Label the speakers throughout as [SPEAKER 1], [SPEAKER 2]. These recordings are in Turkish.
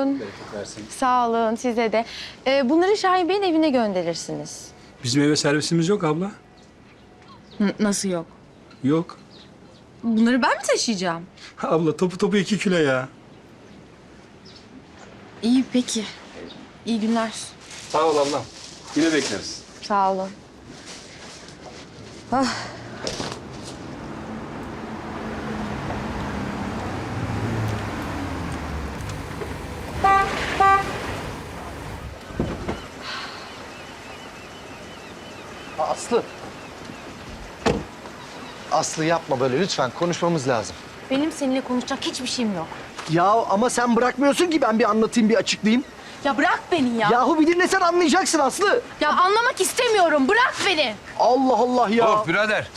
[SPEAKER 1] olsun.
[SPEAKER 2] Bereket versin.
[SPEAKER 1] Sağ olun size de. Bunları Şahin Bey'in evine gönderirsiniz.
[SPEAKER 2] Bizim eve servisimiz yok abla.
[SPEAKER 1] Nasıl yok?
[SPEAKER 2] Yok.
[SPEAKER 1] Bunları ben mi taşıyacağım?
[SPEAKER 2] Abla topu 2 kilo ya.
[SPEAKER 1] İyi peki. İyi günler.
[SPEAKER 2] Sağ ol ablam. Yine bekleriz.
[SPEAKER 1] Sağ olun. Ah.
[SPEAKER 3] Aslı. Aslı yapma böyle lütfen. Konuşmamız lazım.
[SPEAKER 4] Benim seninle konuşacak hiçbir şeyim yok.
[SPEAKER 3] Ya ama sen bırakmıyorsun ki ben bir anlatayım, bir açıklayayım.
[SPEAKER 4] Ya bırak beni ya.
[SPEAKER 3] Yahu bir dinlesen anlayacaksın Aslı.
[SPEAKER 4] Ya anlamak istemiyorum. Bırak beni.
[SPEAKER 3] Allah Allah ya.
[SPEAKER 5] Hop birader.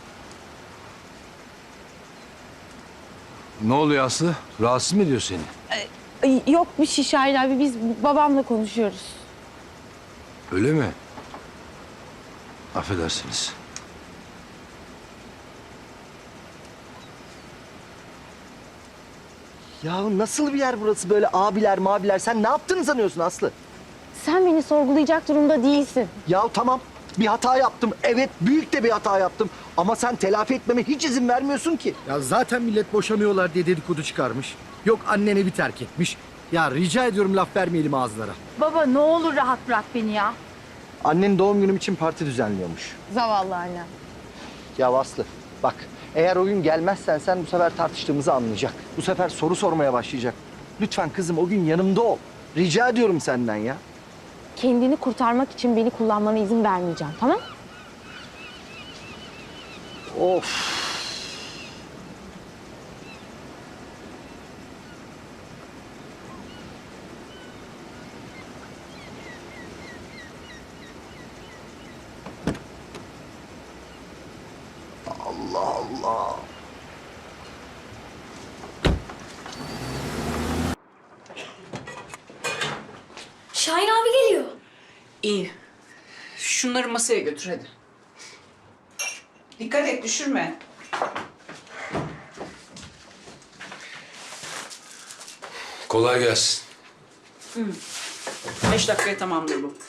[SPEAKER 5] Ne oluyor Aslı? Rahatsız mı ediyor seni?
[SPEAKER 1] Yok bir şey Şahin abi. Biz babamla konuşuyoruz.
[SPEAKER 5] Öyle mi? Affedersiniz.
[SPEAKER 3] Ya nasıl bir yer burası böyle abiler mabiler? Sen ne yaptığını sanıyorsun Aslı?
[SPEAKER 4] Sen beni sorgulayacak durumda değilsin.
[SPEAKER 3] Ya tamam bir hata yaptım. Evet büyük de bir hata yaptım. Ama sen telafi etmeme hiç izin vermiyorsun ki.
[SPEAKER 6] Ya zaten millet boşanıyorlar diye dedikodu çıkarmış. Yok annen evi terk etmiş. Ya rica ediyorum laf vermeyelim ağızlara.
[SPEAKER 4] Baba ne olur rahat bırak beni ya.
[SPEAKER 3] Annen doğum günüm için parti düzenliyormuş.
[SPEAKER 1] Zavallı annem.
[SPEAKER 3] Ya Aslı bak eğer o gün gelmezsen sen bu sefer tartıştığımızı anlayacak. Bu sefer soru sormaya başlayacak. Lütfen kızım o gün yanımda ol. Rica ediyorum senden ya.
[SPEAKER 4] Kendini kurtarmak için beni kullanmana izin vermeyeceğim, tamam?
[SPEAKER 3] Of. Allah Allah.
[SPEAKER 7] Şahin abi geliyor.
[SPEAKER 8] İyi. Şunları masaya götür hadi. Dikkat et düşürme.
[SPEAKER 5] Kolay gelsin.
[SPEAKER 8] 5 dakikaya tamamdır bu.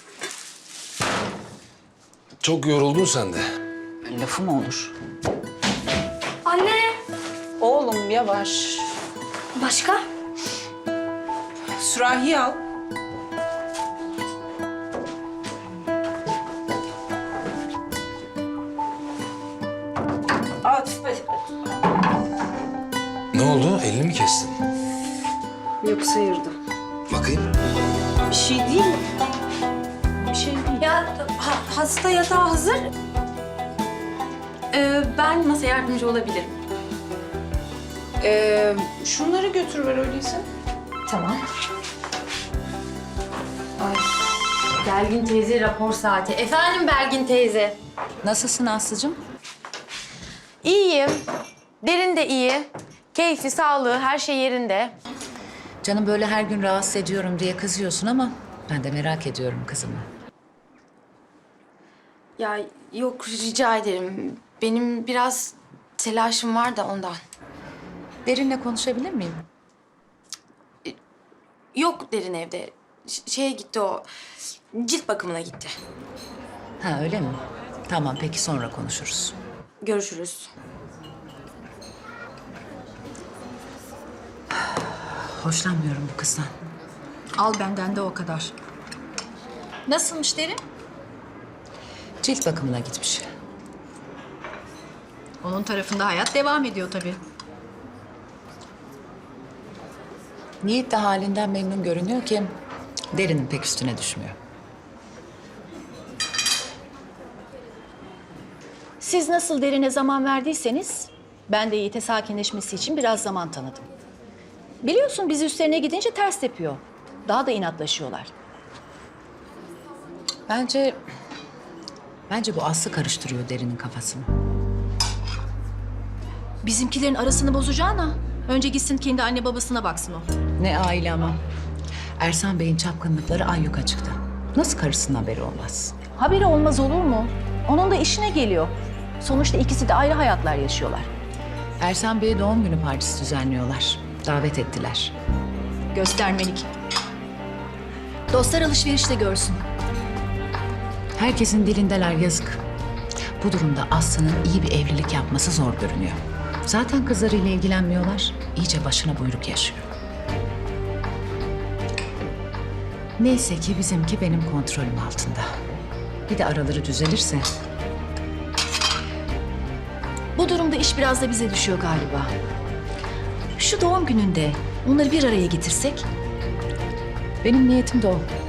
[SPEAKER 5] Çok yoruldun sen de.
[SPEAKER 8] Lafı mı olur?
[SPEAKER 7] Anne.
[SPEAKER 8] Oğlum yavaş.
[SPEAKER 7] Başka?
[SPEAKER 8] Sürahi al. At. Hadi.
[SPEAKER 5] Ne oldu? Elini mi kestin?
[SPEAKER 8] Yok sıyırdım.
[SPEAKER 5] Bakayım.
[SPEAKER 8] Bir şey değil. Bir şey değil.
[SPEAKER 4] Ya hasta yatağı hazır. Ben nasıl yardımcı olabilirim?
[SPEAKER 8] Şunları götür ver öyleyse.
[SPEAKER 4] Tamam. Ay, Belgin teyze rapor saati. Efendim Belgin teyze.
[SPEAKER 9] Nasılsın Aslı'cığım?
[SPEAKER 1] İyiyim. Derin de iyi. Keyfi, sağlığı, her şey yerinde.
[SPEAKER 9] Canım böyle her gün rahatsız ediyorum diye kızıyorsun ama ben de merak ediyorum kızımı.
[SPEAKER 1] Ya yok rica ederim. Benim biraz telaşım var da ondan.
[SPEAKER 9] Derin'le konuşabilir miyim?
[SPEAKER 1] Yok Derin evde. Şeye gitti o. Cilt bakımına gitti.
[SPEAKER 9] Ha öyle mi? Tamam peki sonra konuşuruz.
[SPEAKER 1] Görüşürüz.
[SPEAKER 9] Hoşlanmıyorum bu kızdan.
[SPEAKER 10] Al benden de o kadar. Nasılmış Derin?
[SPEAKER 9] Cilt bakımına gitmiş.
[SPEAKER 10] Onun tarafında hayat devam ediyor tabii.
[SPEAKER 9] Yiğit de halinden memnun görünüyor ki Derin'in pek üstüne düşmüyor.
[SPEAKER 10] Siz nasıl Derin'e zaman verdiyseniz ben de Yiğit'e sakinleşmesi için biraz zaman tanıdım. Biliyorsun biz üstlerine gidince ters tepiyor. Daha da inatlaşıyorlar.
[SPEAKER 9] Bence bu Aslı karıştırıyor Derin'in kafasını.
[SPEAKER 10] Bizimkilerin arasını bozacağına önce gitsin kendi anne babasına baksın o.
[SPEAKER 9] Ne aile ama. Ersan Bey'in çapkınlıkları ayyuka çıktı. Nasıl karısının haberi olmaz?
[SPEAKER 10] Haberi olmaz olur mu? Onun da işine geliyor. Sonuçta ikisi de ayrı hayatlar yaşıyorlar.
[SPEAKER 9] Ersan Bey'e doğum günü partisi düzenliyorlar. Davet ettiler.
[SPEAKER 10] Göstermelik. Dostlar alışverişte görsün.
[SPEAKER 9] Herkesin dilindeler, yazık. Bu durumda Aslı'nın iyi bir evlilik yapması zor görünüyor. Zaten kızlarıyla ilgilenmiyorlar. İyice başına buyruk yaşıyor. Neyse ki bizimki benim kontrolüm altında. Bir de araları düzelirse.
[SPEAKER 10] Bu durumda iş biraz da bize düşüyor galiba. Şu doğum gününde onları bir araya getirsek.
[SPEAKER 9] Benim niyetim de o.